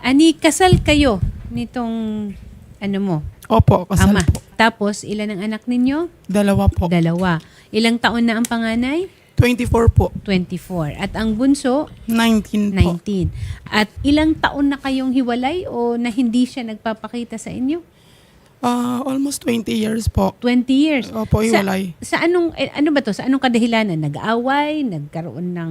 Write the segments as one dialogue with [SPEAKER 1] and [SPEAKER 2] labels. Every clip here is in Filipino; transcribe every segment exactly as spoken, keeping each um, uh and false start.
[SPEAKER 1] Ani, kasal kayo nitong ano mo,
[SPEAKER 2] Opo, kasal
[SPEAKER 1] ama.
[SPEAKER 2] po.
[SPEAKER 1] Tapos, ilan ang anak ninyo?
[SPEAKER 2] Dalawa po.
[SPEAKER 1] Dalawa. Ilang taon na ang panganay?
[SPEAKER 2] twenty-four po.
[SPEAKER 1] twenty-four. At ang bunso?
[SPEAKER 2] nineteen po.
[SPEAKER 1] nineteen. At ilang taon na kayong hiwalay o na hindi siya nagpapakita sa inyo?
[SPEAKER 2] Ah, almost twenty years po.
[SPEAKER 1] twenty years.
[SPEAKER 2] Opo, hiwalay.
[SPEAKER 1] Sa, sa anong, eh, ano ba to? Sa anong kadahilanan? Nag-aaway? Nagkaroon ng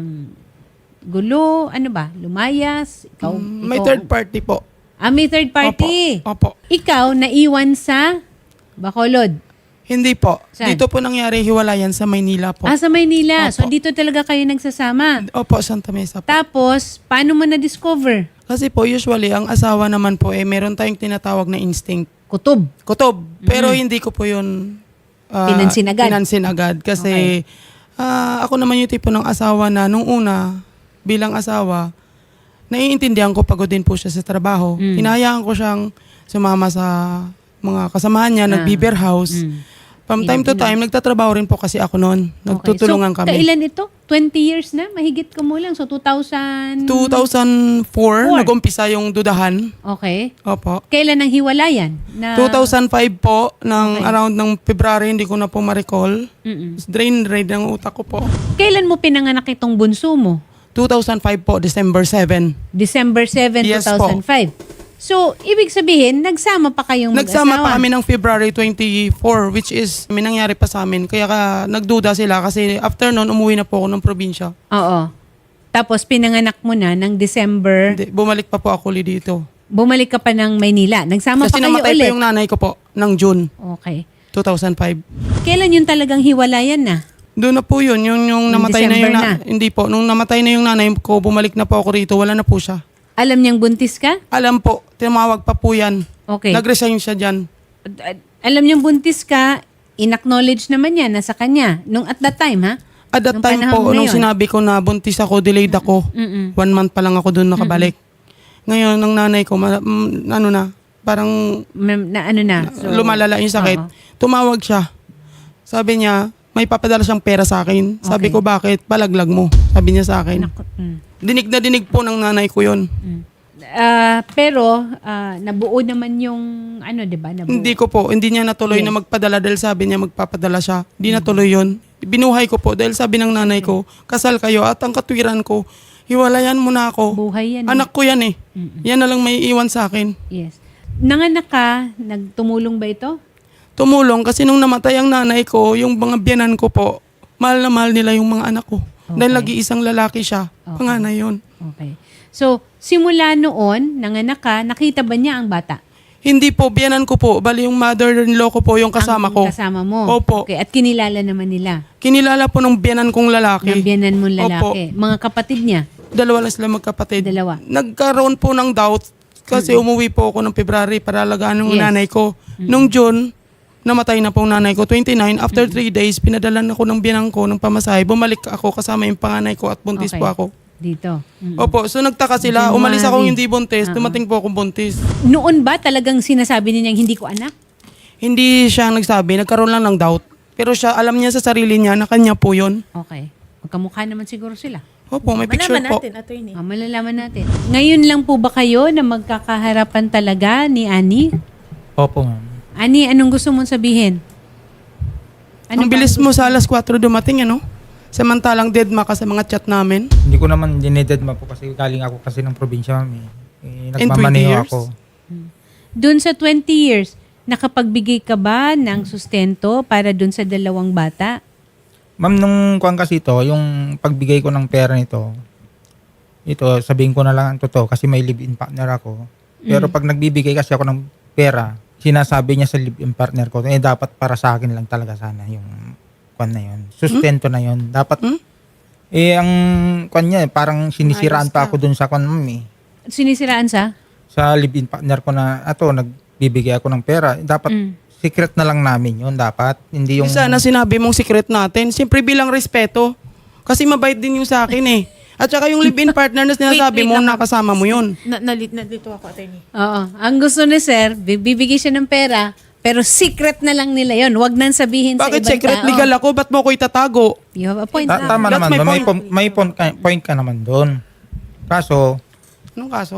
[SPEAKER 1] gulo? Ano ba? Lumayas? Ikaw,
[SPEAKER 2] Mm, may
[SPEAKER 1] ikaw-
[SPEAKER 2] third party po.
[SPEAKER 1] Ah, may third party.
[SPEAKER 2] Opo. Opo.
[SPEAKER 1] Ikaw, naiwan sa Bacolod.
[SPEAKER 2] Hindi po.
[SPEAKER 1] Saan?
[SPEAKER 2] Dito po nangyari hiwalayan sa Maynila po.
[SPEAKER 1] Ah, sa Maynila. So,
[SPEAKER 2] Opo.
[SPEAKER 1] dito talaga kayo nagsasama.
[SPEAKER 2] Opo, Santa Mesa po.
[SPEAKER 1] Tapos, paano mo na-discover?
[SPEAKER 2] Kasi po usually ang asawa naman po eh meron tayong tinatawag na instinct.
[SPEAKER 1] Kutob.
[SPEAKER 2] Kutob. Pero hindi ko po yun ah,
[SPEAKER 1] Pinansin agad?
[SPEAKER 2] pinansin agad. Kasi ah, ako naman yung tipo ng asawa na nung una bilang asawa, naiintindihan ko pagod din po siya sa trabaho.
[SPEAKER 1] Mm.
[SPEAKER 2] Hinahayaan ko siyang sumama sa mga kasamahan niya,
[SPEAKER 1] Ah.
[SPEAKER 2] nag-beer house.
[SPEAKER 1] Mm.
[SPEAKER 2] From time to time, nagtatrabaho rin po kasi ako noon. Nagtutulungan
[SPEAKER 1] so,
[SPEAKER 2] kami.
[SPEAKER 1] kailan ito? twenty years na? Mahigit ka mo lang. So, two thousand...
[SPEAKER 2] two thousand four,
[SPEAKER 1] Four.
[SPEAKER 2] nag-umpisa yung dudahan.
[SPEAKER 1] Okay.
[SPEAKER 2] Opo.
[SPEAKER 1] Kailan ang hiwalayan? Na...
[SPEAKER 2] two thousand five po, ng
[SPEAKER 1] Okay.
[SPEAKER 2] around ng February, hindi ko na po ma-recall.
[SPEAKER 1] Mm-mm.
[SPEAKER 2] Drain raid ng utak ko po.
[SPEAKER 1] Kailan mo pinanganak itong bunso mo?
[SPEAKER 2] two thousand five po, December seven.
[SPEAKER 1] December seventh,
[SPEAKER 2] Yes
[SPEAKER 1] two thousand five. So, ibig sabihin, nagsama pa kayong
[SPEAKER 2] Nagsama
[SPEAKER 1] mag-asawa.
[SPEAKER 2] pa kami ng February twenty-four, which is may nangyari pa sa amin. Kaya ka, nagduda sila kasi after nun, umuwi na po ako ng probinsya.
[SPEAKER 1] Oo. Tapos, pinanganak mo na ng December.
[SPEAKER 2] Hindi, bumalik pa po ako ulit dito.
[SPEAKER 1] Bumalik ka pa ng Maynila. Nagsama
[SPEAKER 2] Kasi
[SPEAKER 1] pa kayo
[SPEAKER 2] namatay
[SPEAKER 1] ulit.
[SPEAKER 2] pa yung nanay ko po ng June
[SPEAKER 1] Okay.
[SPEAKER 2] two thousand five.
[SPEAKER 1] Kailan yung talagang hiwalayan na?
[SPEAKER 2] Doon na po yun, yung, yung
[SPEAKER 1] Yung
[SPEAKER 2] namatay na
[SPEAKER 1] December
[SPEAKER 2] yung na,
[SPEAKER 1] na.
[SPEAKER 2] hindi po, nung namatay na yung nanay ko, bumalik na po ako rito, wala na po siya.
[SPEAKER 1] Alam niyang buntis ka?
[SPEAKER 2] Alam po, tumawag pa po yan.
[SPEAKER 1] Okay.
[SPEAKER 2] Nag-resign siya dyan.
[SPEAKER 1] Ad- Alam niyang buntis ka, in-acknowledge naman niya na sa kanya. Nung at that time, ha?
[SPEAKER 2] At that
[SPEAKER 1] Nung
[SPEAKER 2] time
[SPEAKER 1] panahon
[SPEAKER 2] po,
[SPEAKER 1] na
[SPEAKER 2] nung
[SPEAKER 1] yun.
[SPEAKER 2] sinabi ko na buntis ako, delayed ako.
[SPEAKER 1] Mm-mm.
[SPEAKER 2] One month pa lang ako doon nakabalik. Ngayon, ng nanay ko, ma- mm, ano na, parang
[SPEAKER 1] Ma'am, Na ano na? So,
[SPEAKER 2] lumalala yung sakit.
[SPEAKER 1] Oo.
[SPEAKER 2] Tumawag siya. Sabi niya, may papadala siyang pera sa akin. Sabi
[SPEAKER 1] Okay.
[SPEAKER 2] ko, bakit? Palaglag mo. Sabi niya sa akin.
[SPEAKER 1] Naku, mm,
[SPEAKER 2] Dinig na dinig po ng nanay ko yun.
[SPEAKER 1] mm. Ah, pero, ah, nabuo naman yung, ano, di ba? Nabuo.
[SPEAKER 2] Hindi ko po, hindi niya natuloy
[SPEAKER 1] Yes.
[SPEAKER 2] na magpadala dahil sabi niya magpapadala siya. Hindi natuloy yun. Binuhay ko po dahil sabi ng nanay ko, kasal kayo at ang katwiran ko, hiwalayan mo na ako.
[SPEAKER 1] Buhay yan. eh.
[SPEAKER 2] Anak ko yan eh.
[SPEAKER 1] Mm-mm.
[SPEAKER 2] Yan na lang may iwan sa akin.
[SPEAKER 1] Yes. Nanganak ka, nagtumulong ba ito?
[SPEAKER 2] Tumulong kasi nung namatay ang nanay ko, yung mga biyanan ko po, mahal na mahal nila yung mga anak ko. Dahil
[SPEAKER 1] Okay.
[SPEAKER 2] lagi-isang lalaki siya.
[SPEAKER 1] Okay.
[SPEAKER 2] Panganay yun.
[SPEAKER 1] Okay. So, simula noon, nanganak ka, nakita ba niya ang bata?
[SPEAKER 2] Hindi po, biyanan ko po. Bali yung mother-in-law ko po yung kasama
[SPEAKER 1] Ang
[SPEAKER 2] ko.
[SPEAKER 1] kasama mo?
[SPEAKER 2] Opo.
[SPEAKER 1] Okay. At kinilala naman nila?
[SPEAKER 2] Kinilala po ng biyanan kong lalaki.
[SPEAKER 1] Ng biyanan mong
[SPEAKER 2] Opo.
[SPEAKER 1] lalaki? Mga kapatid niya?
[SPEAKER 2] Dalawa lang sila magkapatid.
[SPEAKER 1] Dalawa.
[SPEAKER 2] Nagkaroon po ng doubt kasi umuwi po ako ng February para alagaan ng
[SPEAKER 1] Yes.
[SPEAKER 2] nanay ko. Nung June, namatay na po ang nanay ko. twenty-nine, after three days, pinadalan ako ng biyanang ko ng pamasahe. Bumalik ako kasama yung panganay ko at buntis
[SPEAKER 1] Okay.
[SPEAKER 2] po ako.
[SPEAKER 1] Dito? Mm.
[SPEAKER 2] Opo, so nagtaka sila.
[SPEAKER 1] January.
[SPEAKER 2] Umalis akong hindi buntis.
[SPEAKER 1] Ah.
[SPEAKER 2] Dumating po akong buntis.
[SPEAKER 1] Noon ba talagang sinasabi niya hindi ko anak?
[SPEAKER 2] Hindi siya nagsabi. Nagkaroon lang ng doubt. Pero siya, alam niya sa sarili niya na kanya po yun.
[SPEAKER 1] Okay. Magkamukha naman siguro sila.
[SPEAKER 2] Opo, may picture
[SPEAKER 3] Malaman
[SPEAKER 2] po.
[SPEAKER 3] natin, attorney.
[SPEAKER 1] Ah, malalaman natin. Ngayon lang po ba kayo na magkakaharapan talaga ni Ani?
[SPEAKER 4] Opo, ma'am.
[SPEAKER 1] Ani, anong gusto mong sabihin?
[SPEAKER 2] Ang
[SPEAKER 1] ba
[SPEAKER 2] bilis
[SPEAKER 1] ang
[SPEAKER 2] mo sa alas kwatro dumating, ano? Samantalang dead ma ka sa mga chat namin.
[SPEAKER 4] Hindi ko naman dinededma po kasi galing ako kasi ng probinsya, ma'am. Eh. Eh,
[SPEAKER 2] And twenty
[SPEAKER 4] nagmamaneho
[SPEAKER 2] years?
[SPEAKER 4] ako.
[SPEAKER 1] Doon sa twenty years, nakapagbigay ka ba ng sustento para doon sa dalawang bata?
[SPEAKER 4] Ma'am, nung kuwan kasi ito, yung pagbigay ko ng pera nito, ito, sabihin ko na lang ang totoo kasi may live-in partner ako. Pero pag nagbibigay kasi ako ng pera, sinasabi niya sa live-in partner ko, eh dapat para sa akin lang talaga sana yung kuwan na yun. Sustento na yun. Dapat,
[SPEAKER 2] Hmm?
[SPEAKER 4] eh ang kuwan niya, eh, parang sinisiraan
[SPEAKER 3] Ayos
[SPEAKER 4] pa
[SPEAKER 3] ka.
[SPEAKER 4] ako dun sa kuwan, ma'am eh.
[SPEAKER 1] Sinisiraan sa?
[SPEAKER 4] Sa live-in partner ko na, ato, nagbibigay ako ng pera. Dapat,
[SPEAKER 1] Mm.
[SPEAKER 4] secret na lang namin yun. Dapat, hindi yung...
[SPEAKER 2] Sana sinabi mong secret natin. Siyempre bilang respeto. Kasi mabait din yung sa akin eh. At saka yung live-in partner na sinasabi
[SPEAKER 3] Wait, wait
[SPEAKER 2] mo,
[SPEAKER 3] lang, ma'am.
[SPEAKER 2] nakasama mo yun.
[SPEAKER 3] Na, nalit, nalito ako, attorney.
[SPEAKER 1] Oo. Ang gusto ni Sir, bibigay siya ng pera, pero secret na lang nila yon. Huwag nang sabihin
[SPEAKER 2] Bakit
[SPEAKER 1] sa ibang
[SPEAKER 2] secret
[SPEAKER 1] tao.
[SPEAKER 2] legal ako? Ba't mo ko itatago?
[SPEAKER 1] You have a point.
[SPEAKER 4] Ta-
[SPEAKER 1] ah.
[SPEAKER 4] tama
[SPEAKER 2] That's
[SPEAKER 4] naman
[SPEAKER 2] my
[SPEAKER 4] doon. May,
[SPEAKER 2] point.
[SPEAKER 4] pom- may point, ka, point ka naman doon. Kaso,
[SPEAKER 2] Anong kaso?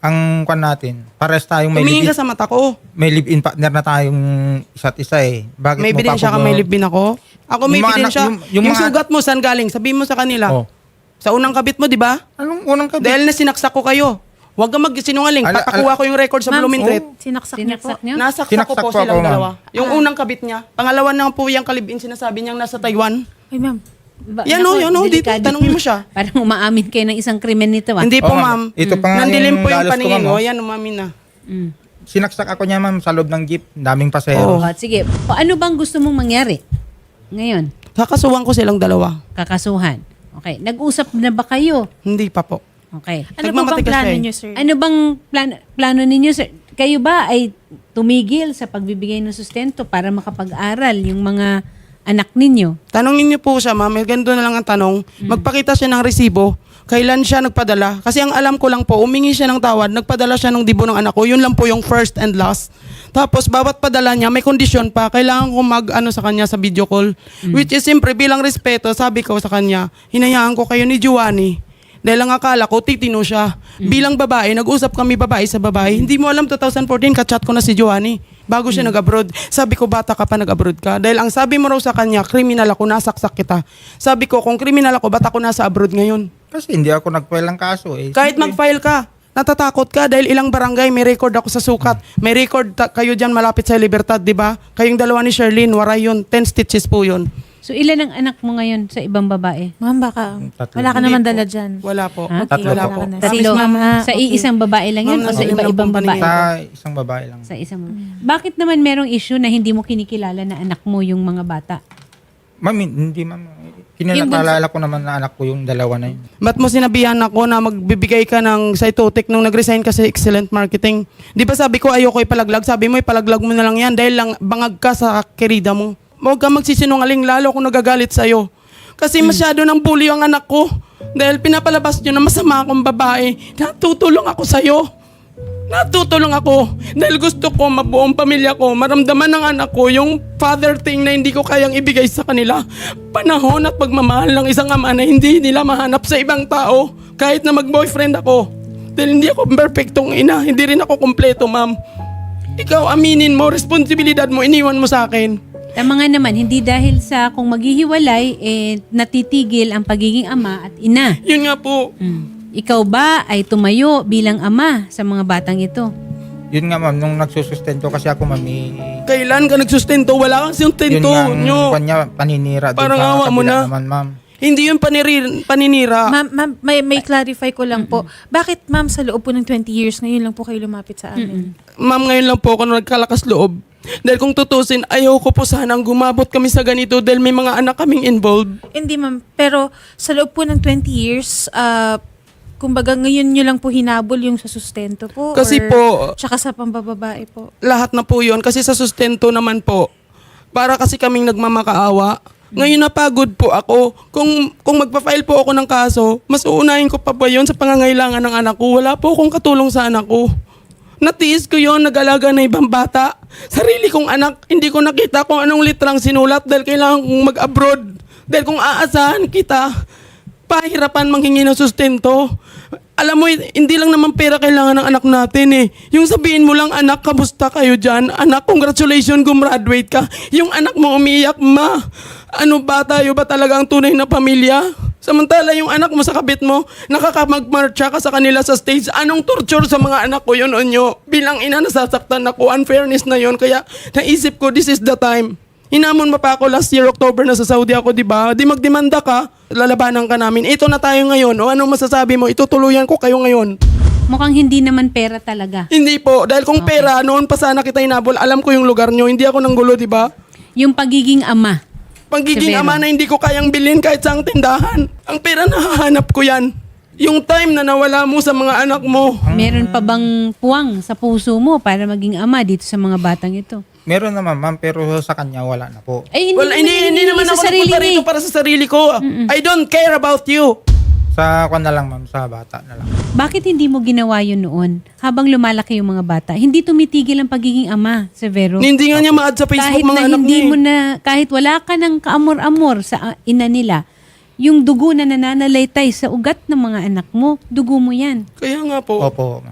[SPEAKER 4] ang kwan natin, pares tayong may
[SPEAKER 2] Tumingin
[SPEAKER 4] live-in,
[SPEAKER 2] ka sa mata ko.
[SPEAKER 4] may live-in partner na tayong isa't isa eh. Bakit
[SPEAKER 2] May
[SPEAKER 4] mo pa
[SPEAKER 2] ebidensya ka,
[SPEAKER 4] ako-
[SPEAKER 2] may libin ako. Ako may
[SPEAKER 4] Yung mga
[SPEAKER 2] ebidensya.
[SPEAKER 4] anak-
[SPEAKER 2] Yung,
[SPEAKER 4] yung- yung mga-
[SPEAKER 2] sugat mo, saan galing? Sabihin mo sa kanila.
[SPEAKER 4] Oh.
[SPEAKER 2] Sa unang kabit mo, di ba?
[SPEAKER 4] Anong unang kabit?
[SPEAKER 2] Dahil na sinaksak ko kayo. Huwag kang magsinungaling.
[SPEAKER 4] Ala-
[SPEAKER 2] Papakuha ko yung record sa
[SPEAKER 3] Ma'am,
[SPEAKER 2] Bloomingtreet.
[SPEAKER 3] oh, sinaksak niya po.
[SPEAKER 1] Sinaksak niyo?
[SPEAKER 2] Nasaksak ko
[SPEAKER 4] Sinaksak
[SPEAKER 2] po
[SPEAKER 4] po
[SPEAKER 2] silang
[SPEAKER 4] ako, ma'am.
[SPEAKER 2] dalawa. Yung unang kabit niya. Pangalawa na po yung kalibin sinasabi niyang nasa Taiwan.
[SPEAKER 3] Ay, ma'am.
[SPEAKER 1] Ba-
[SPEAKER 2] Yan o,
[SPEAKER 1] naku,
[SPEAKER 2] yan o, dito.
[SPEAKER 1] delikado.
[SPEAKER 2] Tanungin mo siya.
[SPEAKER 1] Parang umaamin kayo ng isang krimen nito ah.
[SPEAKER 2] Hindi po,
[SPEAKER 4] Oo,
[SPEAKER 2] ma'am.
[SPEAKER 4] ma'am. Ito pa nga
[SPEAKER 2] Nandilim
[SPEAKER 4] yung
[SPEAKER 2] po yung
[SPEAKER 4] galos ko,
[SPEAKER 2] paningin.
[SPEAKER 4] ma'am,
[SPEAKER 2] O,
[SPEAKER 4] oh.
[SPEAKER 2] yan, umamin na.
[SPEAKER 1] Mm.
[SPEAKER 4] Sinaksak ako niya ma'am sa loob ng jeep. Daming pasahero.
[SPEAKER 1] Oh, sige. O, ano bang gusto mong mangyari ngayon?
[SPEAKER 2] Kakasuhan ko silang dalawa.
[SPEAKER 1] Kakasuhan. Okay. Nag-usap na ba kayo?
[SPEAKER 2] Hindi pa po.
[SPEAKER 1] Okay.
[SPEAKER 3] Ano po bang
[SPEAKER 2] Nagmamatigas
[SPEAKER 3] plano
[SPEAKER 2] siya eh.
[SPEAKER 3] niyo, sir?
[SPEAKER 1] Ano bang plan- plano ninyo, sir? Kayo ba ay tumigil sa pagbibigay ng sustento para makapag-aral yung mga anak ninyo?
[SPEAKER 2] Tanungin niyo po siya, ma'am. May ganito na lang ang tanong. Magpakita siya ng resibo. Kailan siya nagpadala? Kasi ang alam ko lang po, umingi siya ng tawad, nagpadala siya ng dibo ng anak ko. Yun lang po yung first and last. Tapos, bawat padala niya, may kondisyon pa. Kailangan ko mag-ano sa kanya sa video call. Which is, siyempre, bilang respeto, sabi ko sa kanya, hinayaan ko kayo ni Giovanni. Dahil ang akala ko, titino siya. Bilang babae, nag-usap kami babae sa babae. Hindi mo alam, twenty fourteen, kachat ko na si Giovanni. Bago siya nag-abroad. Sabi ko, bata ka pa nag-abroad ka. Dahil ang sabi mo raw sa kanya, kriminal ako, nasaksak kita. Sabi ko, kung kriminal ako, ba't ako nasa abroad ngayon?
[SPEAKER 4] Kasi hindi ako nag-file ng kaso eh.
[SPEAKER 2] Kahit
[SPEAKER 4] Siyempre,
[SPEAKER 2] mag-file ka, natatakot ka dahil ilang barangay, may record ako sa sukat. May record ta- kayo dyan malapit sa Libertad, di ba? Kayong dalawa ni Sherlyn, waray yun. ten stitches po yun.
[SPEAKER 1] So, ilan ang anak mo ngayon sa ibang babae?
[SPEAKER 3] Ma'am, baka
[SPEAKER 4] Tatlo.
[SPEAKER 3] wala ka
[SPEAKER 2] Hindi
[SPEAKER 3] naman
[SPEAKER 2] po.
[SPEAKER 3] dala dyan.
[SPEAKER 2] Wala po.
[SPEAKER 1] Ha?
[SPEAKER 3] Okay,
[SPEAKER 4] Tatlo
[SPEAKER 3] wala
[SPEAKER 4] po.
[SPEAKER 3] ka na.
[SPEAKER 2] Tatlo.
[SPEAKER 3] Sige, ma'am, ha?
[SPEAKER 1] Sa
[SPEAKER 3] Okay.
[SPEAKER 1] iisang babae lang yun
[SPEAKER 2] Ma'am,
[SPEAKER 1] o sa
[SPEAKER 2] nasa
[SPEAKER 1] iba-ibang
[SPEAKER 2] ilang
[SPEAKER 1] babae?
[SPEAKER 2] paningin.
[SPEAKER 4] sa isang babae lang.
[SPEAKER 1] Sa isang Bakit naman merong issue na hindi mo kinikilala na anak mo yung mga bata?
[SPEAKER 4] Ma'am, hindi ma'am. Kinalala ko naman na anak ko yung dalawa na yun.
[SPEAKER 2] Ba't mo sinabihan ako na magbibigay ka ng cytotic nung nag-resign ka sa Excellent Marketing? Di ba sabi ko ayoko ipalaglag? Sabi mo ipalaglag mo na lang yan dahil lang bangag ka sa kerida mo. Huwag ka magsisinungaling, lalo kung nagagalit sa'yo. Kasi masyado ng bully ang anak ko. Dahil pinapalabas nyo na masama akong babae. Natutulong ako sa'yo. Natutulong ako. Dahil gusto ko mabuong pamilya ko. Maramdaman ng anak ko yung father thing na hindi ko kayang ibigay sa kanila. Panahon at pagmamahal ng isang ama na hindi nila mahanap sa ibang tao. Kahit na mag-boyfriend ako. Dahil hindi ako perfectong ina. Hindi rin ako kompleto, ma'am. Ikaw, aminin mo, responsibilidad mo, iniwan mo sa akin.
[SPEAKER 1] Tama nga naman, hindi dahil sa kung maghihiwalay, eh, natitigil ang pagiging ama at ina.
[SPEAKER 2] Yun nga po.
[SPEAKER 1] Mm. Ikaw ba ay tumayo bilang ama sa mga batang ito?
[SPEAKER 4] Yun nga ma'am, nung nagsusustento kasi ako ma'am, eh,
[SPEAKER 2] Kailan ka nagsustento? Wala kang
[SPEAKER 4] yun
[SPEAKER 2] sustento
[SPEAKER 4] nga ang
[SPEAKER 2] nyo.
[SPEAKER 4] kanya paninira. dun
[SPEAKER 2] Parang
[SPEAKER 4] sa
[SPEAKER 2] awa mo
[SPEAKER 4] kabila
[SPEAKER 2] na.
[SPEAKER 4] Naman, ma'am.
[SPEAKER 2] Hindi yun paniri, paninira.
[SPEAKER 3] Ma'am, ma'am, may, may clarify ko lang po. Bakit ma'am sa loob po ng twenty years, ngayon lang po kayo lumapit sa amin?
[SPEAKER 2] Ma'am, ngayon lang po ako nagkalakas loob. Dahil kung tutusin, ayaw ko po sanang gumabot kami sa ganito dahil may mga anak kaming involved.
[SPEAKER 3] Hindi ma'am, pero sa loob po ng twenty years, ah, kumbaga ngayon nyo lang po hinabol yung sa sustento po?
[SPEAKER 2] Kasi
[SPEAKER 3] or
[SPEAKER 2] po,
[SPEAKER 3] tsaka sa pambababae po?
[SPEAKER 2] lahat na po yun. Kasi sa sustento naman po, para kasi kaming nagmamakaawa. Ngayon napagod po ako. Kung, kung magpa-file po ako ng kaso, mas uunahin ko pa ba yun sa pangangailangan ng anak ko? Wala po akong katulong sa anak ko. Natiis ko yon, nag-alaga na ibang bata. Sarili kong anak, hindi ko nakita kung anong litrang sinulat dahil kailangan kong mag-abroad. Dahil kung aasahan kita, pahirapan manghingi ng sustento. Alam mo, hindi lang naman pera kailangan ng anak natin eh. Yung sabihin mo lang, anak, kamusta kayo dyan? Anak, congratulations, gumraduate ka. Yung anak mo umiiyak, ma. Ano ba tayo ba talaga ang tunay na pamilya? Samantala yung anak mo sa kabit mo, nakakamagmarcha ka sa kanila sa stage. Anong torture sa mga anak ko yun o nyo? Bilang ina, nasasaktan ako. Unfairness na yun. Kaya naisip ko, this is the time. Hinamon mo pa ako last year, October, na sa Saudi ako, di ba? Di magdemanda ka, lalabanan ka namin. Ito na tayo ngayon. O anong masasabi mo? Itutuluyan ko kayo ngayon.
[SPEAKER 1] Mukhang hindi naman pera talaga.
[SPEAKER 2] Hindi po. Dahil kung pera, noon pa sana kita hinabol, alam ko yung lugar nyo. Hindi ako nanggulo, di ba?
[SPEAKER 1] Yung pagiging ama.
[SPEAKER 2] Pagiging
[SPEAKER 1] Severo.
[SPEAKER 2] ama na hindi ko kayang bilhin kahit sa tindahan. Ang pera nahahanap ko yan. Yung time na nawala mo sa mga anak mo.
[SPEAKER 1] Meron pa bang puwang sa puso mo para maging ama dito sa mga batang ito?
[SPEAKER 4] Meron naman ma'am, pero sa kanya wala na po.
[SPEAKER 1] Ay, hindi
[SPEAKER 2] Well,
[SPEAKER 1] naman
[SPEAKER 2] hindi, hindi
[SPEAKER 1] hinihingi
[SPEAKER 2] naman
[SPEAKER 1] sa
[SPEAKER 2] ako
[SPEAKER 1] sarili
[SPEAKER 2] nagpunta
[SPEAKER 1] niya
[SPEAKER 2] rito
[SPEAKER 1] eh.
[SPEAKER 2] para sa sarili ko. I don't care about you.
[SPEAKER 4] Sa kwan na lang ma'am, sa bata na lang.
[SPEAKER 1] Bakit hindi mo ginawa yun noon habang lumalaki yung mga bata? Hindi tumitigil ang pagiging ama, Severo.
[SPEAKER 2] Hindi nga niya ma-add sa Facebook
[SPEAKER 1] Kahit
[SPEAKER 2] mga
[SPEAKER 1] na
[SPEAKER 2] anak
[SPEAKER 1] hindi
[SPEAKER 2] niya. eh.
[SPEAKER 1] mo na, kahit wala ka ng kaamor-amor sa uh, ina nila, yung dugo na nananalaytay sa ugat ng mga anak mo, dugo mo yan.
[SPEAKER 2] Kaya nga po.
[SPEAKER 4] Opo ma'am.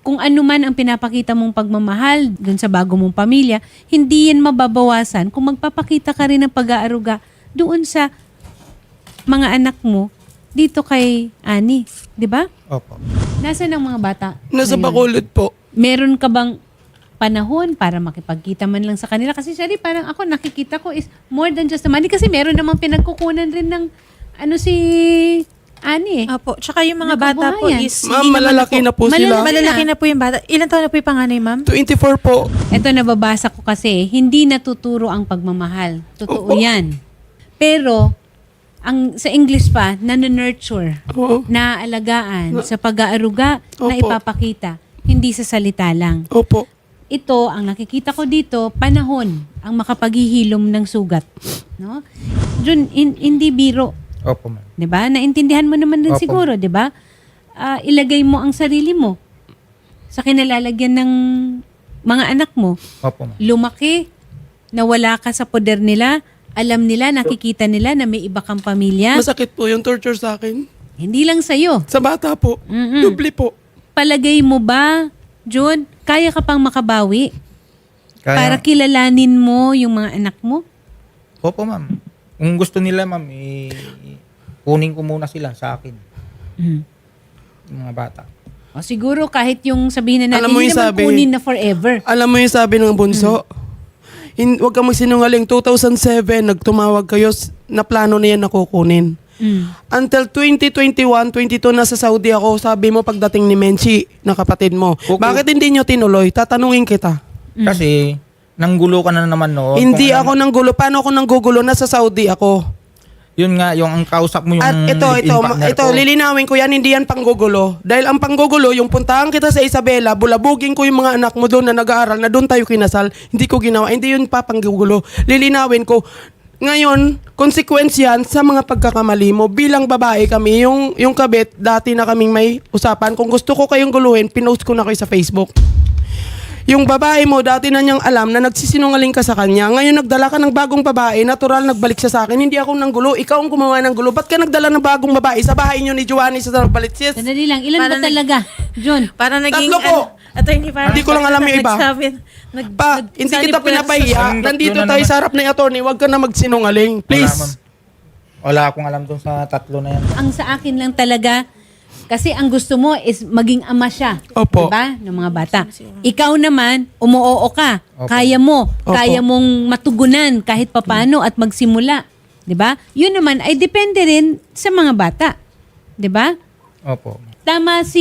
[SPEAKER 1] kung ano man ang pinapakita mong pagmamahal dun sa bago mong pamilya, hindi yan mababawasan kung magpapakita ka rin ng pag-aaruga doon sa mga anak mo dito kay Ani. Di ba?
[SPEAKER 4] Opo.
[SPEAKER 1] Nasaan ang mga bata?
[SPEAKER 2] Nasa
[SPEAKER 1] ngayon?
[SPEAKER 2] Bacolod po.
[SPEAKER 1] Meron ka bang panahon para makipagkita man lang sa kanila? Kasi siya parang ako nakikita ko is more than just the money kasi meron namang pinagkukunan rin ng ano si Ani eh.
[SPEAKER 3] Apo, tsaka yung mga bata po
[SPEAKER 1] Nakabuhayan.
[SPEAKER 3] is...
[SPEAKER 2] Ma'am,
[SPEAKER 3] hindi naman
[SPEAKER 2] malalaki na po
[SPEAKER 1] Malala-
[SPEAKER 2] sila.
[SPEAKER 3] Malalaki na po yung bata. Ilan taon na po yung panganay, ma'am?
[SPEAKER 2] twenty-four po.
[SPEAKER 1] Ito nababasa ko kasi, hindi natuturo ang pagmamahal. Totoo
[SPEAKER 2] Opo.
[SPEAKER 1] yan. Pero, ang sa English pa, nanonurture,
[SPEAKER 2] Oo.
[SPEAKER 1] naaalagaan, sa pag-aaruga, na
[SPEAKER 2] Opo.
[SPEAKER 1] ipapakita. Hindi sa salita lang.
[SPEAKER 2] Opo.
[SPEAKER 1] Ito, ang nakikita ko dito, panahon ang makapaghihilom ng sugat. No? Jun, hin- hindi biro.
[SPEAKER 4] Opo, ma'am.
[SPEAKER 1] 'Di ba? Naintindihan mo naman din
[SPEAKER 4] Opo.
[SPEAKER 1] siguro, 'di ba? Ah, ilagay mo ang sarili mo sa kinalalagyan ng mga anak mo.
[SPEAKER 4] Opo, ma'am.
[SPEAKER 1] Lumaki na wala ka sa poder nila, alam nila, nakikita nila na may iba kang pamilya.
[SPEAKER 2] Masakit po yung torture sa akin.
[SPEAKER 1] Hindi lang sa'yo.
[SPEAKER 2] Sa bata po.
[SPEAKER 1] Mm-mm.
[SPEAKER 2] Dubli po.
[SPEAKER 1] Palagay mo ba, John, kaya ka pang makabawi para
[SPEAKER 4] Kaya,
[SPEAKER 1] kilalanin mo yung mga anak mo?
[SPEAKER 4] opo, ma'am. Kung gusto nila, ma'am, eh, kunin ko muna sila sa akin.
[SPEAKER 1] Mm.
[SPEAKER 4] Yung mga bata.
[SPEAKER 1] O siguro kahit yung sabihin na natin,
[SPEAKER 2] Alam mo
[SPEAKER 1] hindi
[SPEAKER 2] yung
[SPEAKER 1] naman
[SPEAKER 2] sabi-
[SPEAKER 1] kunin na forever.
[SPEAKER 2] Alam mo yung sabi ng bunso? Hin- Huwag kang magsinungaling. two thousand seven, nagtumawag kayo s- na plano na yan na kukunin.
[SPEAKER 1] Mm.
[SPEAKER 2] Until twenty twenty-one, twenty-two, nasa Saudi ako. Sabi mo pagdating ni Menchi, na kapatid mo.
[SPEAKER 4] Okay.
[SPEAKER 2] Bakit hindi nyo tinuloy? Tatanungin kita.
[SPEAKER 4] Kasi, nanggulo ka na naman noon.
[SPEAKER 2] hindi
[SPEAKER 4] Kung
[SPEAKER 2] ako
[SPEAKER 4] ano-
[SPEAKER 2] nang gulo. Paano ako nang gugulo? Nasa Saudi ako.
[SPEAKER 4] Yun nga, yung ang kausap mo yung
[SPEAKER 2] At ito,
[SPEAKER 4] live-in
[SPEAKER 2] ito,
[SPEAKER 4] partner
[SPEAKER 2] ito,
[SPEAKER 4] ko.
[SPEAKER 2] lilinawin ko yan, hindi yan panggugulo. Dahil ang panggugulo, yung puntahan kita sa Isabela, bulabugin ko yung mga anak mo doon na nag-aaral, na doon tayo kinasal, hindi ko ginawa. Hindi yun pa panggugulo. Lilinawin ko, ngayon, consequence yan sa mga pagkakamali mo. Bilang babae kami, yung, yung kabit, dati na kaming may usapan. Kung gusto ko kayong guluhin, pinost ko na kayo sa Facebook. Yung babae mo, dati na niyang alam na nagsisinungaling ka sa kanya. Ngayon nagdala ka ng bagong babae, natural nagbalik siya sa akin. Hindi ako nang gulo, ikaw ang gumawa ng gulo. Ba't ka nagdala ng bagong babae sa bahay niyo ni Giovanni sa Balitsis?
[SPEAKER 1] Sandali lang, ilan
[SPEAKER 3] Para
[SPEAKER 1] ba
[SPEAKER 3] nag-
[SPEAKER 1] talaga, John?
[SPEAKER 3] Para naging...
[SPEAKER 2] Tatlo po.
[SPEAKER 3] Ano, attorney, para
[SPEAKER 2] Hindi ko lang alam yung iba.
[SPEAKER 3] Nagsabi, nag,
[SPEAKER 2] Pa,
[SPEAKER 3] nag-
[SPEAKER 2] hindi
[SPEAKER 3] sanib
[SPEAKER 2] kita
[SPEAKER 3] ko lang sa-
[SPEAKER 2] pinapahiya.
[SPEAKER 4] Ang
[SPEAKER 2] Nandito
[SPEAKER 4] tatlo na
[SPEAKER 2] tayo
[SPEAKER 4] naman.
[SPEAKER 2] sa harap ng attorney, huwag ka na magsinungaling.
[SPEAKER 4] Wala, ma'am.
[SPEAKER 2] Please.
[SPEAKER 4] Wala akong alam dun sa tatlo na yan.
[SPEAKER 1] Ang sa akin lang talaga, kasi ang gusto mo is maging ama siya.
[SPEAKER 2] Opo.
[SPEAKER 1] Diba? Ng mga bata. Ikaw naman, umuoo ka.
[SPEAKER 4] Opo.
[SPEAKER 1] Kaya mo.
[SPEAKER 2] Opo.
[SPEAKER 1] Kaya mong matugunan kahit papano at magsimula. Diba? Yun naman ay depende rin sa mga bata. Diba?
[SPEAKER 4] Opo.
[SPEAKER 1] Tama si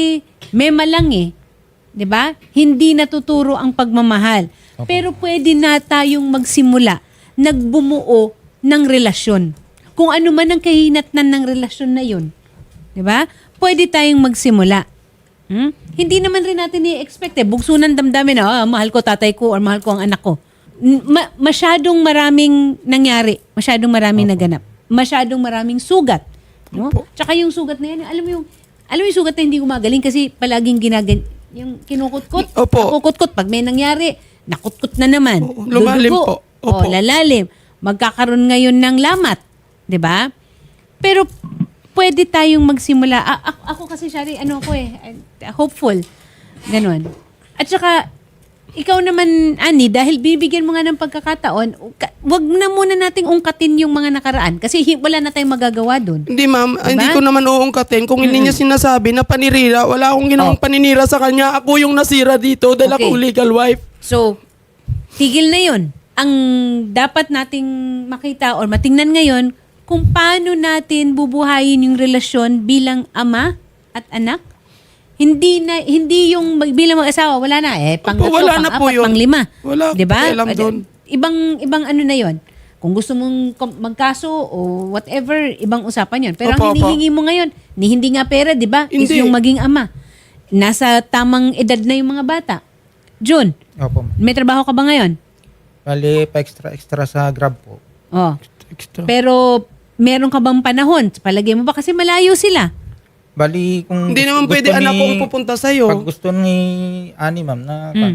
[SPEAKER 1] Mema lang eh. 'Di ba? Hindi natuturo ang pagmamahal.
[SPEAKER 4] Opo.
[SPEAKER 1] Pero pwede na tayong magsimula, nagbumuo ng relasyon. Kung ano man ang kahinatnan ng relasyon na 'yon. 'Di ba? Pwede tayong magsimula. Hmm? Hindi naman rin natin i-expect eh. Bugso ng damdamin na, ah, mahal ko tatay ko or mahal ko ang anak ko. N- ma- masyadong maraming nangyari. Masyadong maraming naganap. Masyadong maraming sugat. No?
[SPEAKER 2] Opo.
[SPEAKER 1] Tsaka yung sugat na yan, alam mo yung, alam mo yung sugat na hindi gumagaling kasi palaging ginagan, yung kinukutkot,
[SPEAKER 2] Opo.
[SPEAKER 1] nakukutkot. Pag may nangyari, nakutkot na naman.
[SPEAKER 2] Oo, lumalim
[SPEAKER 1] Dudugo.
[SPEAKER 2] po. Opo.
[SPEAKER 1] O, lalalim. Magkakaroon ngayon ng lamat. 'Di ba? Pero pwede tayong magsimula. A- ako, ako kasi, Shari, ano ko eh, uh, hopeful. Ganon. At saka, ikaw naman, Ani, dahil bibigyan mo nga ng pagkakataon, ka- wag na muna nating ungkatin yung mga nakaraan kasi hi- wala na tayong magagawa doon.
[SPEAKER 2] Hindi ma'am,
[SPEAKER 1] Diba?
[SPEAKER 2] hindi ko naman uungkatin. Kung hindi niya sinasabi na panirira, wala akong ginawang
[SPEAKER 1] Oh.
[SPEAKER 2] paninira sa kanya. Ako yung nasira dito dahil
[SPEAKER 1] Okay.
[SPEAKER 2] ako legal wife.
[SPEAKER 1] So, tigil na yun. Ang dapat nating makita or matingnan ngayon, kung paano natin bubuhayin yung relasyon bilang ama at anak. Hindi na hindi yung mag- bilang mag-asawa, wala na eh pang
[SPEAKER 2] Opo, wala na po yun.
[SPEAKER 1] pang lima.
[SPEAKER 2] Wala
[SPEAKER 1] 'Di ba?
[SPEAKER 2] pakialam doon.
[SPEAKER 1] Ibang ibang ano na 'yon. Kung gusto mong kom- magkaso o whatever, ibang usapan 'yon. Pero
[SPEAKER 2] Opo,
[SPEAKER 1] ang hinihingi mo ngayon, ni hindi nga pera, 'di ba? Is
[SPEAKER 2] Hindi.
[SPEAKER 1] yung maging ama. Nasa tamang edad na yung mga bata. June,
[SPEAKER 4] Opo, ma'am.
[SPEAKER 1] may trabaho ka ba ngayon?
[SPEAKER 4] Bali, pa-extra-extra sa Grab po.
[SPEAKER 1] Oh.
[SPEAKER 2] Extra.
[SPEAKER 1] Pero meron ka bang panahon? Palagay mo ba kasi malayo sila?
[SPEAKER 4] Bali, kung
[SPEAKER 2] Hindi
[SPEAKER 4] gusto-
[SPEAKER 2] naman
[SPEAKER 4] gusto
[SPEAKER 2] pwede
[SPEAKER 4] ni-
[SPEAKER 2] anak kong pupunta sa'yo.
[SPEAKER 4] Pag gusto ni Ani, ma'am, na
[SPEAKER 1] Mm.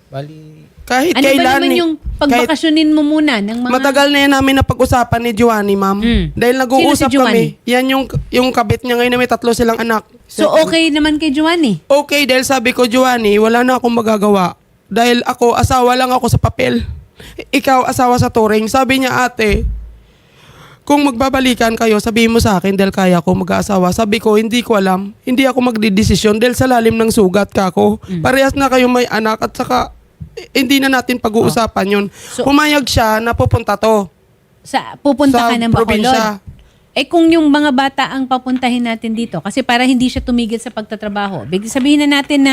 [SPEAKER 4] Bali,
[SPEAKER 2] Kahit
[SPEAKER 1] Ano ba
[SPEAKER 2] kailan.
[SPEAKER 1] naman
[SPEAKER 2] eh,
[SPEAKER 1] yung
[SPEAKER 2] kahit
[SPEAKER 1] pagbakasyonin mo muna ng mga...
[SPEAKER 2] matagal na yan namin na pag-usapan ni Giovanni, ma'am.
[SPEAKER 1] Mm.
[SPEAKER 2] Dahil nag-uusap
[SPEAKER 1] Sino si Giovanni?
[SPEAKER 2] kami. Yan yung, yung kabit niya ngayon na may tatlo silang anak.
[SPEAKER 1] So okay naman kay Giovanni?
[SPEAKER 2] Okay, dahil sabi ko, Giovanni, wala na akong magagawa. Dahil ako, asawa lang ako sa papel. Ikaw, asawa sa turing. Sabi niya, ate, kung magbabalikan kayo, sabihin mo sa akin dahil kaya ko mag-aasawa. Sabi ko, hindi ko alam. Hindi ako magdidesisyon dahil sa lalim ng sugat ka ko.
[SPEAKER 1] Mm.
[SPEAKER 2] Parehas na kayo may anak at saka eh, hindi na natin pag-uusapan yun.
[SPEAKER 1] So-
[SPEAKER 2] Pumayag siya na pupunta to.
[SPEAKER 1] Sa, pupunta
[SPEAKER 2] Sa
[SPEAKER 1] ka ng Bacolod.
[SPEAKER 2] probinsya.
[SPEAKER 1] Eh kung yung mga bata ang papuntahin natin dito, kasi para hindi siya tumigil sa pagtatrabaho, big sabihin na natin na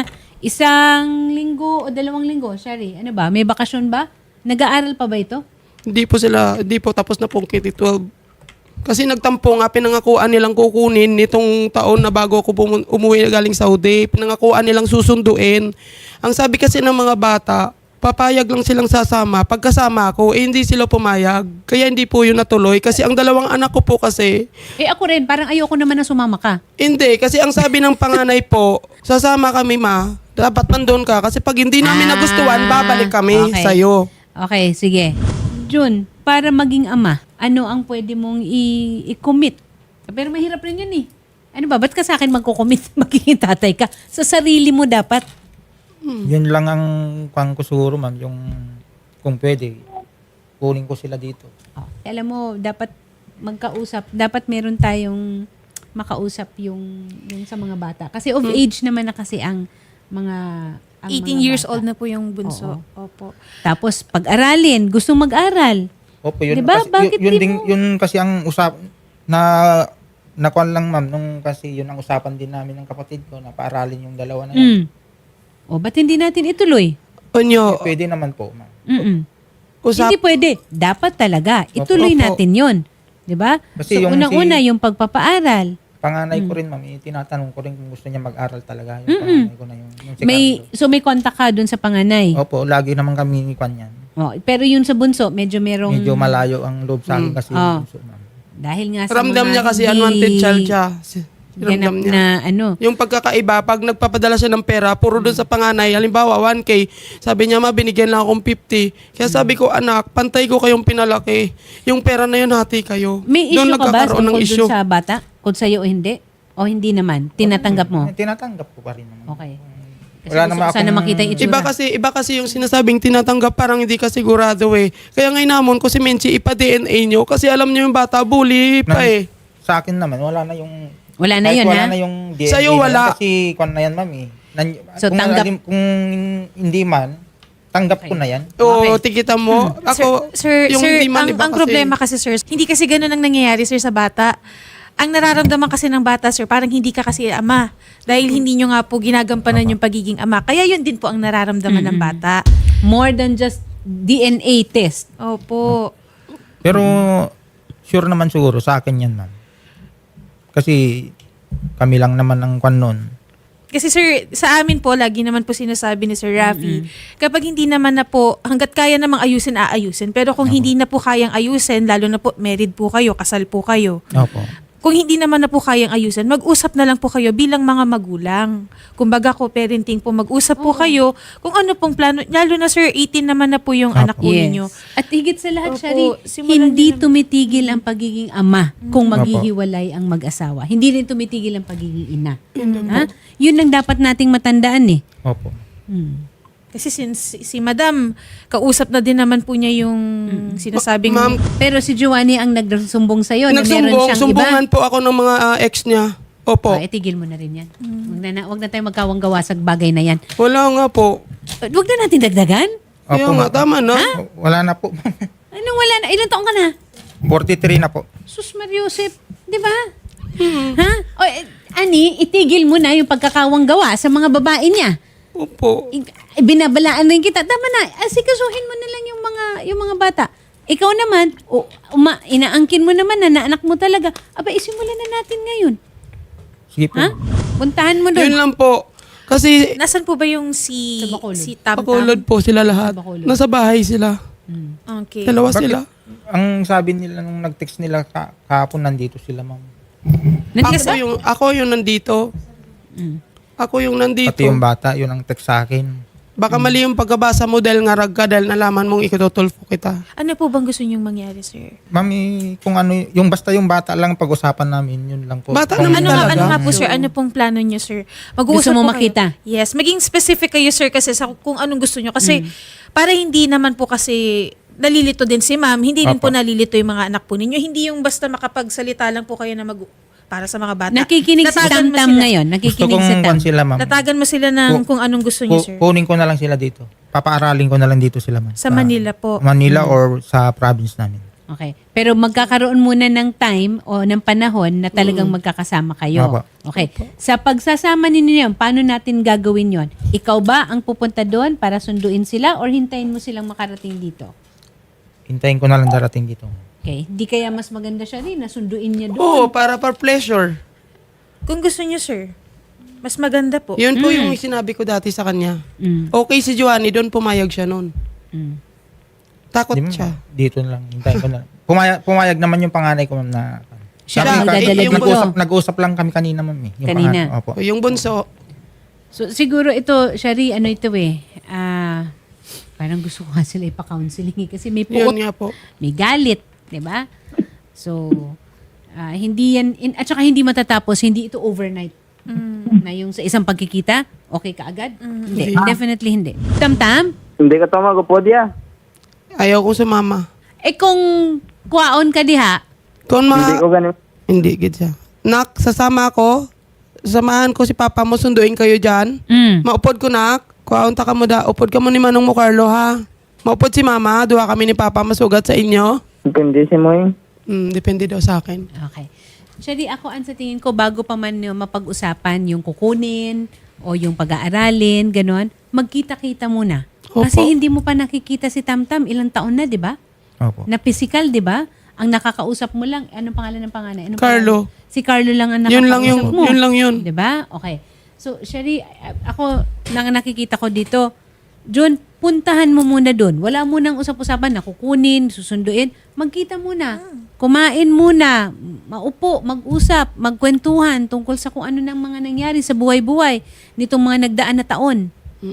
[SPEAKER 1] isang linggo o dalawang linggo, Shari, ano ba, may bakasyon ba? Nag-aaral pa ba ito?
[SPEAKER 2] Hindi po sila, hindi po tapos na pong K twelve. Kasi nagtampo nga, pinangakuan nilang kukunin nitong taon na bago ako pumun- umuwi galing Saudi. Pinangakuan nilang susunduin. Ang sabi kasi ng mga bata, papayag lang silang sasama. Pagkasama ako, eh hindi sila pumayag. Kaya hindi po yun natuloy. Kasi ang dalawang anak ko po kasi,
[SPEAKER 1] Eh ako rin, parang ayoko naman na sumama ka.
[SPEAKER 2] hindi. Kasi ang sabi ng panganay po, sasama kami ma, dapat nandun ka. Kasi pag hindi namin
[SPEAKER 1] Ah,
[SPEAKER 2] nagustuhan, babalik kami
[SPEAKER 1] okay.
[SPEAKER 2] sa'yo.
[SPEAKER 1] Okay, sige. Jun, para maging ama, ano ang pwede mong i- i-commit? Pero mahirap rin yun eh. Ano ba, ba't ka sa akin magko-commit? Magiging tatay ka. Sa sarili mo dapat.
[SPEAKER 4] yun lang ang kwan ko siguro, ma'am, yung kung pwede, kunin ko sila dito.
[SPEAKER 1] Oh, alam mo, dapat magkausap. Dapat meron tayong makausap yung, yung sa mga bata. Kasi of age naman na kasi ang mga... ang
[SPEAKER 3] eighteen
[SPEAKER 1] mga
[SPEAKER 3] years
[SPEAKER 1] bata.
[SPEAKER 3] old na po yung bunso. Opo.
[SPEAKER 1] Tapos pag-aralin, gustong mag-aral.
[SPEAKER 4] Opo, yun,
[SPEAKER 1] Diba?
[SPEAKER 4] kasi,
[SPEAKER 1] Bakit
[SPEAKER 4] yun, yun,
[SPEAKER 1] di
[SPEAKER 4] din,
[SPEAKER 1] mo-
[SPEAKER 4] yun kasi ang usap, na, nakuan lang, ma'am, nung kasi yun ang usapan din namin ng kapatid ko, na paaralin yung dalawa na
[SPEAKER 1] Mm.
[SPEAKER 4] yun.
[SPEAKER 1] O, ba't hindi natin ituloy?
[SPEAKER 2] Onyo,
[SPEAKER 4] Pwede naman po, ma'am.
[SPEAKER 1] Mm-mm.
[SPEAKER 2] usap,
[SPEAKER 1] Hindi pwede. Dapat talaga. Ituloy
[SPEAKER 2] Opo.
[SPEAKER 1] natin yon, di ba?
[SPEAKER 4] Kasi
[SPEAKER 1] So,
[SPEAKER 4] yung
[SPEAKER 1] unang-una,
[SPEAKER 4] si-
[SPEAKER 1] yung pagpapaaral.
[SPEAKER 4] Panganay
[SPEAKER 1] Mm.
[SPEAKER 4] ko rin, ma'am, eh, tinatanong ko rin kung gusto niya mag-aral talaga. Yung panganay ko na yung, yung si
[SPEAKER 1] May,
[SPEAKER 4] Carlo.
[SPEAKER 1] so, may contact ka dun sa panganay.
[SPEAKER 4] Opo, lagi naman kami ni Kwan yan.
[SPEAKER 1] Oh, pero yun sa bunso, medyo merong...
[SPEAKER 4] Medyo malayo ang loob sa akin kasi
[SPEAKER 1] Oh.
[SPEAKER 4] yung bunso, ma'am.
[SPEAKER 1] Dahil nga sa
[SPEAKER 2] ramdam
[SPEAKER 1] mga
[SPEAKER 2] niya kasi
[SPEAKER 1] hindi
[SPEAKER 2] unwanted child siya. Si-
[SPEAKER 1] ganap
[SPEAKER 2] Ramdam niya.
[SPEAKER 1] na ano.
[SPEAKER 2] Yung pagkakaiba, pag nagpapadala siya ng pera, puro doon sa panganay, halimbawa one K, sabi niya, ma, binigyan lang akong fifty. Kaya sabi ko, anak, pantay ko kayong pinalaki. Yung pera na yun, hati kayo.
[SPEAKER 1] May
[SPEAKER 2] Doon
[SPEAKER 1] issue ka ba
[SPEAKER 2] nagkakaroon ng
[SPEAKER 1] tungkol
[SPEAKER 2] issue.
[SPEAKER 1] dun sa bata? Kung sa'yo o hindi? O hindi naman? Tinatanggap mo?
[SPEAKER 4] Eh, Tinatanggap ko pa rin naman.
[SPEAKER 1] Okay. Kasi
[SPEAKER 4] Wala
[SPEAKER 1] gusto
[SPEAKER 4] naman
[SPEAKER 1] ko sana
[SPEAKER 4] akong-
[SPEAKER 1] makita yung itsura.
[SPEAKER 2] Iba kasi, iba kasi yung sinasabing tinatanggap, parang hindi ka sigurado eh. Kaya ngayon namon ko si Menchi, ipa-D N A nyo kasi alam nyo yung bata, bully pa
[SPEAKER 4] Na-
[SPEAKER 2] eh.
[SPEAKER 4] Sa akin naman, wala na yung...
[SPEAKER 1] Wala na
[SPEAKER 4] kahit
[SPEAKER 1] yun,
[SPEAKER 4] wala
[SPEAKER 1] ha?
[SPEAKER 4] na yung D N A
[SPEAKER 2] Sa'yo
[SPEAKER 4] na yun,
[SPEAKER 2] wala.
[SPEAKER 4] Kasi kwan na yan, ma'am eh. Nan-
[SPEAKER 1] So,
[SPEAKER 4] kung,
[SPEAKER 1] tanggap-
[SPEAKER 4] lagi- kung hindi man, tanggap ko na yan.
[SPEAKER 2] Oo, tikita mo. Ako,
[SPEAKER 3] Sir,
[SPEAKER 2] yung
[SPEAKER 3] sir
[SPEAKER 2] hindi man
[SPEAKER 3] ang,
[SPEAKER 2] iba
[SPEAKER 3] ang
[SPEAKER 2] kasi.
[SPEAKER 3] problema kasi, sir, hindi kasi ganun ang nangyayari, sir, sa bata. Ang nararamdaman kasi ng bata, sir, parang hindi ka kasi ama. Dahil hindi nyo nga po ginagampanan yung pagiging ama. Kaya yun din po ang nararamdaman ng bata.
[SPEAKER 1] More than just D N A test.
[SPEAKER 3] Opo.
[SPEAKER 4] Pero, sure naman siguro sa akin yan, ma'am. Kasi, kami lang naman ang kwan nun.
[SPEAKER 3] Kasi sir, sa amin po, lagi naman po sinasabi ni Sir Rafi, kapag hindi naman na po, hanggat kaya namang ayusin, aayusin. Pero kung hindi na po kayang ayusin, lalo na po, married po kayo, kasal po kayo.
[SPEAKER 4] Opo.
[SPEAKER 3] Kung hindi naman na po kayang ayusin, mag-usap na lang po kayo bilang mga magulang. Kumbaga ko, parenting po, mag-usap po kayo kung ano pong plano. Lalo na sir, eighteen naman na po yung anak po ninyo.
[SPEAKER 1] At higit sa lahat,
[SPEAKER 3] Opo,
[SPEAKER 1] Shari,
[SPEAKER 3] simulan
[SPEAKER 1] hindi
[SPEAKER 3] niyo na-
[SPEAKER 1] tumitigil ang pagiging ama kung
[SPEAKER 4] Opo.
[SPEAKER 1] maghihiwalay ang mag-asawa. Hindi rin tumitigil ang pagiging ina. Ha? Yun lang dapat nating matandaan eh.
[SPEAKER 4] Opo.
[SPEAKER 1] Hmm.
[SPEAKER 3] Kasi since si Madam, kausap na din naman po niya yung sinasabing...
[SPEAKER 2] Ma'am,
[SPEAKER 1] Pero si Giovanni ang nagsumbong sa'yo na meron
[SPEAKER 2] nagsumbong,
[SPEAKER 1] siyang
[SPEAKER 2] sumbungan
[SPEAKER 1] iba.
[SPEAKER 2] po ako ng mga ah, ex niya. Opo.
[SPEAKER 1] Ah, itigil mo na rin yan. Huwag na, na, wag na tayo magkawang-gawa sa bagay na yan.
[SPEAKER 2] Wala nga po.
[SPEAKER 1] Uh, Huwag na natin dagdagan.
[SPEAKER 2] Kaya
[SPEAKER 4] Opo,
[SPEAKER 2] nga,
[SPEAKER 4] ma'am.
[SPEAKER 2] tama na.
[SPEAKER 4] Wala na po.
[SPEAKER 1] Anong wala na? Ilan taong ka na?
[SPEAKER 4] forty-three na po.
[SPEAKER 1] Sus Mariusip, di ba? Ha? O, eh, Ani, itigil mo na yung pagkakawang gawa sa mga babae niya.
[SPEAKER 2] Opo.
[SPEAKER 1] I- binabalaan rin kita. Tama na, asikasuhin mo na lang yung mga yung mga bata. Ikaw naman, o, uma, inaangkin mo naman na naanak mo talaga. Aba, isimulan na natin ngayon.
[SPEAKER 4] Sige po.
[SPEAKER 1] Ha? Puntahan mo
[SPEAKER 2] Yun
[SPEAKER 1] doon.
[SPEAKER 2] lang po. Kasi,
[SPEAKER 3] Nasaan po ba yung si,
[SPEAKER 1] Sa Bacolod.
[SPEAKER 3] si Tam Tam?
[SPEAKER 2] pakulod po sila lahat.
[SPEAKER 1] Bacolod.
[SPEAKER 2] Nasa bahay sila.
[SPEAKER 3] Okay.
[SPEAKER 2] Dalawa
[SPEAKER 4] Bakit?
[SPEAKER 2] sila.
[SPEAKER 4] Ang sabi nila nung nag-text nila ka- kahapon, nandito sila, ma'am.
[SPEAKER 1] Nandiyan
[SPEAKER 2] Ako yung, ako yung nandito.
[SPEAKER 1] Mm.
[SPEAKER 2] Ako yung nandito.
[SPEAKER 4] Pati yung bata, yun ang text sa akin.
[SPEAKER 2] Baka mali yung pagkabasa mo dahil nga rag ka dahil nalaman mong ikututulfo kita.
[SPEAKER 3] Ano po bang gusto niyong mangyari, sir?
[SPEAKER 4] Mami, kung ano, yung basta yung bata lang pag-usapan namin, yun lang po.
[SPEAKER 2] Bata
[SPEAKER 4] Kung-
[SPEAKER 2] naman
[SPEAKER 3] Ano nga,
[SPEAKER 2] talaga?
[SPEAKER 3] ano nga po, sir? Ano pong plano niyo, sir? Mag-uusap
[SPEAKER 1] Gusto mo
[SPEAKER 3] po kayo.
[SPEAKER 1] makita?
[SPEAKER 3] Yes. Maging specific kayo, sir, kasi sa kung anong gusto niyo. Kasi para hindi naman po kasi nalilito din si ma'am, hindi rin po
[SPEAKER 4] Opo.
[SPEAKER 3] nalilito yung mga anak po ninyo. Hindi yung basta makapagsalita lang po kayo na mag para sa mga bata.
[SPEAKER 1] Nakikinig si
[SPEAKER 3] Natagan mo
[SPEAKER 1] Tam-Tam
[SPEAKER 3] sila.
[SPEAKER 1] ngayon.
[SPEAKER 4] Gusto
[SPEAKER 1] Nakikinig
[SPEAKER 4] kong
[SPEAKER 1] si Tam.
[SPEAKER 4] kwan sila, ma'am.
[SPEAKER 3] Tatagan mo sila ng
[SPEAKER 4] Ku-
[SPEAKER 3] kung anong gusto niyo,
[SPEAKER 4] Ku-
[SPEAKER 3] sir.
[SPEAKER 4] kunin ko na lang sila dito. Papaaralin ko na lang dito sila, ma'am.
[SPEAKER 3] Sa Manila po.
[SPEAKER 4] Manila or sa province namin.
[SPEAKER 1] Okay. Pero magkakaroon muna ng time o ng panahon na talagang magkakasama kayo.
[SPEAKER 4] Opo.
[SPEAKER 1] Okay. Sa pagsasama ninyo yun, paano natin gagawin yon? Ikaw ba ang pupunta doon para sunduin sila or hintayin mo silang makarating dito?
[SPEAKER 4] Hintayin ko na lang darating dito.
[SPEAKER 1] Okay. Di kaya mas maganda siya rin na sunduin niya doon?
[SPEAKER 2] Oo, para for pleasure.
[SPEAKER 3] Kung gusto niyo, sir, mas maganda po.
[SPEAKER 2] Yun po yung sinabi ko dati sa kanya.
[SPEAKER 1] Mm.
[SPEAKER 2] Okay si Joanny, doon pumayag siya noon.
[SPEAKER 1] Mm.
[SPEAKER 2] Takot
[SPEAKER 4] Di, ma'am,
[SPEAKER 2] siya.
[SPEAKER 4] Dito na lang. Hintayin ko na lang. Pumayag, pumayag naman yung panganay ko, ma'am, na...
[SPEAKER 1] Siya
[SPEAKER 2] Siya,
[SPEAKER 1] ang magdadala
[SPEAKER 2] eh, yung
[SPEAKER 1] dito.
[SPEAKER 4] Nag-usap, nag-usap lang kami kanina, ma'am. Eh. Yung
[SPEAKER 1] Kanina.
[SPEAKER 4] panganay. Opo.
[SPEAKER 2] Yung bunso,
[SPEAKER 1] So siguro ito, Shari, ano ito eh, ah, parang gusto ko nga sila ipa-counseling eh, kasi may
[SPEAKER 2] yun
[SPEAKER 1] puot,
[SPEAKER 2] nga po.
[SPEAKER 1] may galit, di ba? So, ah, hindi yan, in, at saka hindi matatapos, hindi ito overnight. Na yung sa isang pagkikita, okay ka agad? Hindi, definitely hindi. Tam-Tam,
[SPEAKER 5] Hindi ka tama ko po diya.
[SPEAKER 2] Ayaw ko sumama.
[SPEAKER 1] eh kung kuwaon ka diha,
[SPEAKER 2] Kung
[SPEAKER 5] Hindi ko
[SPEAKER 2] mga...
[SPEAKER 5] ganun.
[SPEAKER 2] Hindi, gid siya. Nak, sasama ako. Samahan ko si Papa mo, sunduin kayo dyan.
[SPEAKER 1] mm,
[SPEAKER 2] Maupod ko, nak. Kuwaunta ka mo da. Upod ka mo ni Manong mo, Carlo, ha? Maupod si Mama. Duha kami ni Papa masugat sa inyo.
[SPEAKER 5] Depende si mo eh.
[SPEAKER 2] Hmm, depende daw sa akin.
[SPEAKER 1] okay. Shari, ako ang sa tingin ko, bago pa man yung mapag-usapan yung kukunin o yung pag-aaralin, ganon, magkita-kita muna.
[SPEAKER 2] Opo.
[SPEAKER 1] Kasi hindi mo pa nakikita si Tam-Tam, ilang taon na, di ba?
[SPEAKER 4] Opo.
[SPEAKER 1] Na physical, di ba? Ang nakakausap mo lang, anong pangalan ng panganay? Anong
[SPEAKER 2] Carlo.
[SPEAKER 1] pangalan? Si Carlo lang ang nakakausap
[SPEAKER 2] Yun lang yung-
[SPEAKER 1] mo.
[SPEAKER 2] yun lang yun.
[SPEAKER 1] Di ba? Okay. So, Shari, ako, nang nakikita ko dito, John, puntahan mo muna doon. Wala munang usap-usapan na kukunin, susunduin. Magkita muna. Kumain muna. Maupo, mag-usap, magkwentuhan tungkol sa kung ano nang mga nangyari sa buhay-buhay nitong mga nagdaan na taon.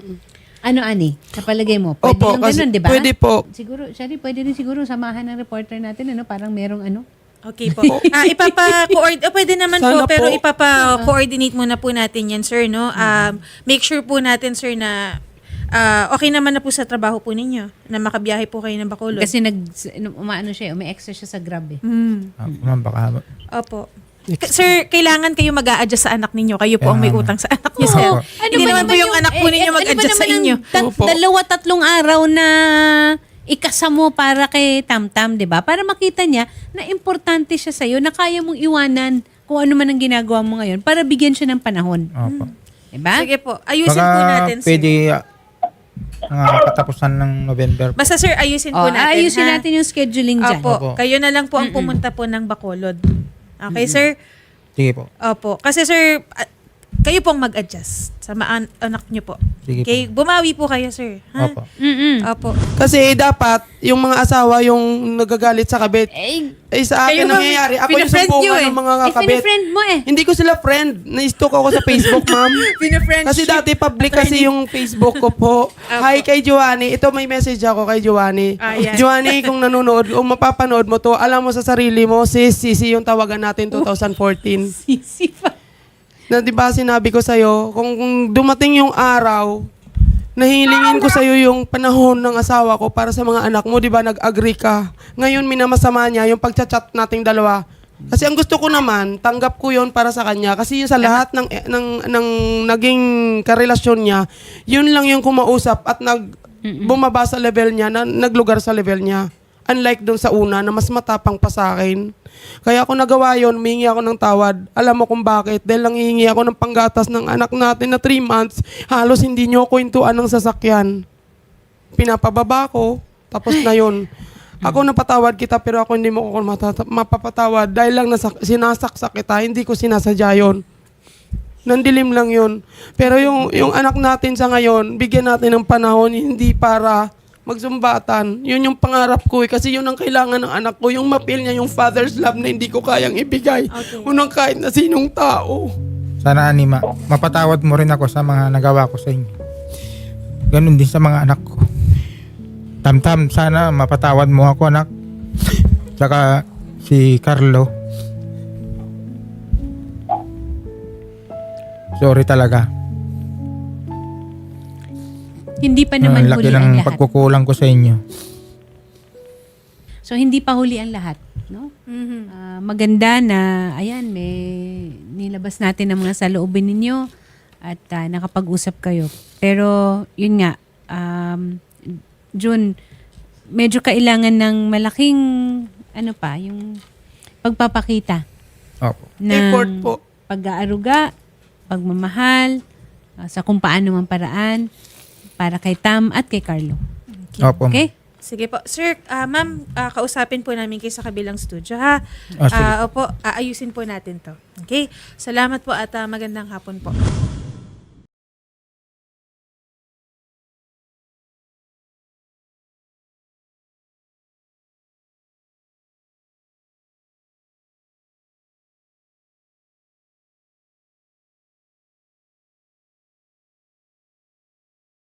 [SPEAKER 1] Ano, Ani? Sa palagay mo? Pwede
[SPEAKER 2] Opo,
[SPEAKER 1] yung
[SPEAKER 2] kasi
[SPEAKER 1] ganun, di ba?
[SPEAKER 2] pwede po.
[SPEAKER 1] Siguro, Shari, pwede rin siguro samahan ng reporter natin, ano, parang merong ano.
[SPEAKER 3] Okay po. Ah, ipapa-coordinate, pwede naman
[SPEAKER 2] Sana
[SPEAKER 3] po, pero
[SPEAKER 2] po.
[SPEAKER 3] ipapa-coordinate muna po natin yan, sir, no? Um, make sure po natin, sir, na ah, okay naman na po sa trabaho po ninyo, na makabiyahe po kayo ng Bacolod.
[SPEAKER 1] Kasi nag, umaano siya, umi-extra siya sa Grab eh.
[SPEAKER 3] Mm.
[SPEAKER 4] Ah, ma'am, baka...
[SPEAKER 3] Opo. K- Sir, kailangan kayo mag-a-adjust sa anak ninyo. Kayo po ang may
[SPEAKER 4] Kaya nga.
[SPEAKER 3] utang sa anak niyo, sir.
[SPEAKER 1] Ano
[SPEAKER 3] Hindi
[SPEAKER 1] ba
[SPEAKER 3] naman po yung anak po
[SPEAKER 1] eh,
[SPEAKER 3] ninyo
[SPEAKER 1] ano ba
[SPEAKER 3] mag-adjust sa
[SPEAKER 1] naman ang
[SPEAKER 3] inyo.
[SPEAKER 1] tat-
[SPEAKER 2] Opo.
[SPEAKER 1] dalawa, tatlong araw na ikasa mo para kay Tam-Tam, di ba? Para makita niya na importante siya sa'yo, na kaya mong iwanan kung ano man ang ginagawa mo ngayon para bigyan siya ng panahon.
[SPEAKER 4] Opo.
[SPEAKER 1] Di ba?
[SPEAKER 3] Sige po. Ayusin
[SPEAKER 4] Baka
[SPEAKER 3] po natin, sir.
[SPEAKER 4] pwede ah, ah, katapusan ng November.
[SPEAKER 3] Basta, sir, ayusin
[SPEAKER 1] Oh,
[SPEAKER 3] po natin.
[SPEAKER 1] ayusin
[SPEAKER 3] ha?
[SPEAKER 1] natin yung scheduling dyan.
[SPEAKER 3] Opo.
[SPEAKER 4] Opo.
[SPEAKER 3] Kayo na lang po ang pumunta po ng Bacolod. Okay, sir?
[SPEAKER 4] Sige po.
[SPEAKER 3] Opo. Kasi, sir, ah, kayo pong mag-adjust sa maan- anak niyo po.
[SPEAKER 4] Sige
[SPEAKER 3] Okay? Bumawi po kayo, sir. Ha?
[SPEAKER 4] Opo.
[SPEAKER 1] Mm-mm.
[SPEAKER 3] Opo.
[SPEAKER 2] Kasi dapat, yung mga asawa yung nagagalit sa kabit.
[SPEAKER 1] Eh,
[SPEAKER 2] Eh sa akin
[SPEAKER 3] Kayo, ma'am,
[SPEAKER 2] nangyayari, ako yung
[SPEAKER 3] pinafriend nyo
[SPEAKER 2] sumpungan
[SPEAKER 3] eh.
[SPEAKER 2] ng mga
[SPEAKER 1] eh
[SPEAKER 2] kabit.
[SPEAKER 1] friend mo eh.
[SPEAKER 2] Hindi ko sila friend. Na-stalk ako sa Facebook, ma'am.
[SPEAKER 3] Pina-friendship.
[SPEAKER 2] Kasi dati public kasi yung Facebook ko po. Hi kay Joanny. Ito may message ako kay Joanny.
[SPEAKER 3] Ah, yan.
[SPEAKER 2] Joanny, kung nanonood, kung mapapanood mo to, alam mo sa sarili mo, sis, sisi yung tawagan natin twenty fourteen.
[SPEAKER 1] Sisi pa.
[SPEAKER 2] Na di ba sinabi ko sa'yo, kung, kung dumating yung araw, nahilingin ko sa'yo yung panahon ng asawa ko para sa mga anak mo, di ba nag-agree ka. Ngayon minamasama niya yung pagchat-chat nating dalawa. Kasi ang gusto ko naman, tanggap ko yon para sa kanya. Kasi yun sa lahat ng, eh, ng, ng naging karelasyon niya, yun lang yung kumausap at nag, bumaba sa level niya, na, naglugar sa level niya. Unlike dun sa una na mas matapang pa sa akin. Kaya ako nagawa yun, humingi ako ng tawad. Alam mo kung bakit? Dahil lang hihingi ako ng panggatas ng anak natin na three months, halos hindi niyo ko intuan ng sasakyan. Pinapababa ko, tapos na yun. Ako napatawad kita pero ako hindi mo ko matata- mapapatawad dahil lang nasak- sinasaksak kita, hindi ko sinasadya yun. Nandilim lang yun. Pero yung, yung anak natin sa ngayon, bigyan natin ng panahon, hindi para magsumbatan. Yun yung pangarap ko eh. Kasi yun ang kailangan ng anak ko. Yung mapil niya yung father's love na hindi ko kayang ibigay. Unang kahit na sinong tao.
[SPEAKER 4] Sana, Ani, ma- mapatawad mo rin ako sa mga nagawa ko sa inyo. ganun din sa mga anak ko. Tamtam, sana mapatawad mo ako, anak. Tsaka si Carlo. Sorry talaga.
[SPEAKER 1] Hindi pa naman
[SPEAKER 4] Ang laki
[SPEAKER 1] huli ang
[SPEAKER 4] ng
[SPEAKER 1] lahat.
[SPEAKER 4] pagkukulang ko sa inyo.
[SPEAKER 1] So hindi pa huli ang lahat, no?
[SPEAKER 3] Mhm.
[SPEAKER 1] Ah, maganda na ayan, may nilabas natin ang mga saloobin ninyo at ah, nakapag-usap kayo. Pero yun nga, um, June, medyo kailangan ng malaking ano pa, yung pagpapakita
[SPEAKER 4] Opo.
[SPEAKER 1] ng
[SPEAKER 2] Effort po.
[SPEAKER 1] pag-aaruga, pagmamahal, ah, sa kung paano mang paraan para kay Tam at kay Carlo.
[SPEAKER 4] Opo.
[SPEAKER 1] Okay?
[SPEAKER 3] Sige po. Sir, ah, ma'am, ah, kausapin po namin kayo sa kabilang studio, ha?
[SPEAKER 4] Ah, sige.
[SPEAKER 3] Ah, opo, aayusin po natin to. Okay? Salamat po at ah, magandang hapon po.